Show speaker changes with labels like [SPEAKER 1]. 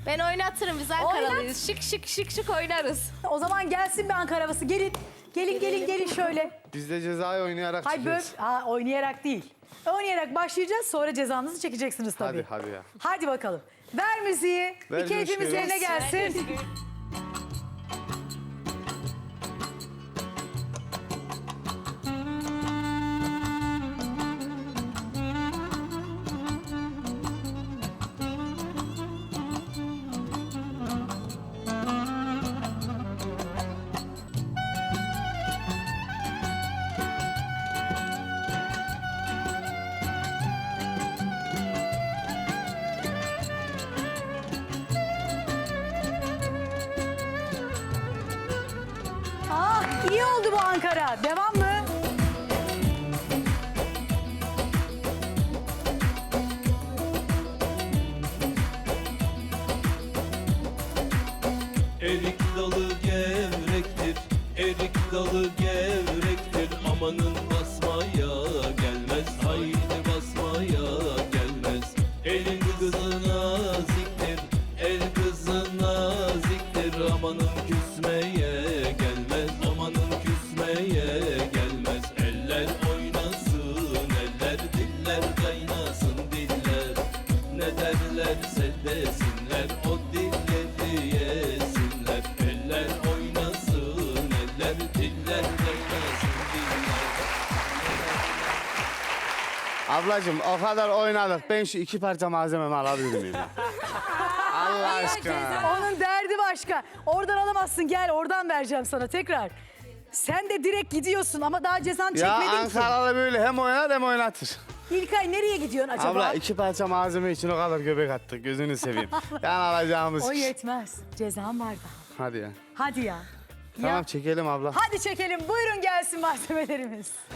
[SPEAKER 1] Ben oynatırım, biz Ankaralıyız. Şık şık oynarız.
[SPEAKER 2] O zaman gelsin bir Ankara havası. Gelin. Gelin şöyle.
[SPEAKER 3] Biz de cezayı oynayarak
[SPEAKER 2] Hayır böyle
[SPEAKER 3] çıkacağız.
[SPEAKER 2] oynayarak değil. Oynayarak başlayacağız, sonra cezanızı çekeceksiniz tabii.
[SPEAKER 3] Hadi ya.
[SPEAKER 2] Hadi bakalım. Ver müziği.
[SPEAKER 3] Ver
[SPEAKER 2] bir keyfimiz
[SPEAKER 3] müziği.
[SPEAKER 2] yerine gelsin. Ah, iyi oldu bu Ankara. Devam mı?
[SPEAKER 4] Erik dalı gevrektir, erik dalı gevrektir. Amanın basmaya gelmez, haydi basmaya gelmez. Elin kızı naziktir, el kızı naziktir. Amanın küsmeye gelmez, amanın küsmeye gelmez. Eller oynasın, eller diller kaynasın diller. Ne derlerse desinler, o dilleri yesinler. Eller oynasın, eller diller kaynasın diller.
[SPEAKER 3] Ablacığım o kadar oynadık. Ben şu 2 parça malzememi alabilir miyim? ya? Allah aşkına.
[SPEAKER 2] Onun derdi başka. Oradan alamazsın, gel oradan vereceğim sana tekrar. Sen de direkt gidiyorsun ama daha cezan
[SPEAKER 3] Ya
[SPEAKER 2] çekmedin ki.
[SPEAKER 3] Ankaralı böyle hem oynar hem oynatır.
[SPEAKER 2] İlkay nereye gidiyorsun acaba?
[SPEAKER 3] Abla 2 parça malzeme için o kadar göbek attık. Gözünü seveyim. Yani alacağımız.
[SPEAKER 2] O yetmez. Cezan var daha.
[SPEAKER 3] Hadi ya.
[SPEAKER 2] Hadi ya.
[SPEAKER 3] Tamam
[SPEAKER 2] Ya.
[SPEAKER 3] çekelim abla.
[SPEAKER 2] Hadi çekelim. Buyurun gelsin malzemelerimiz.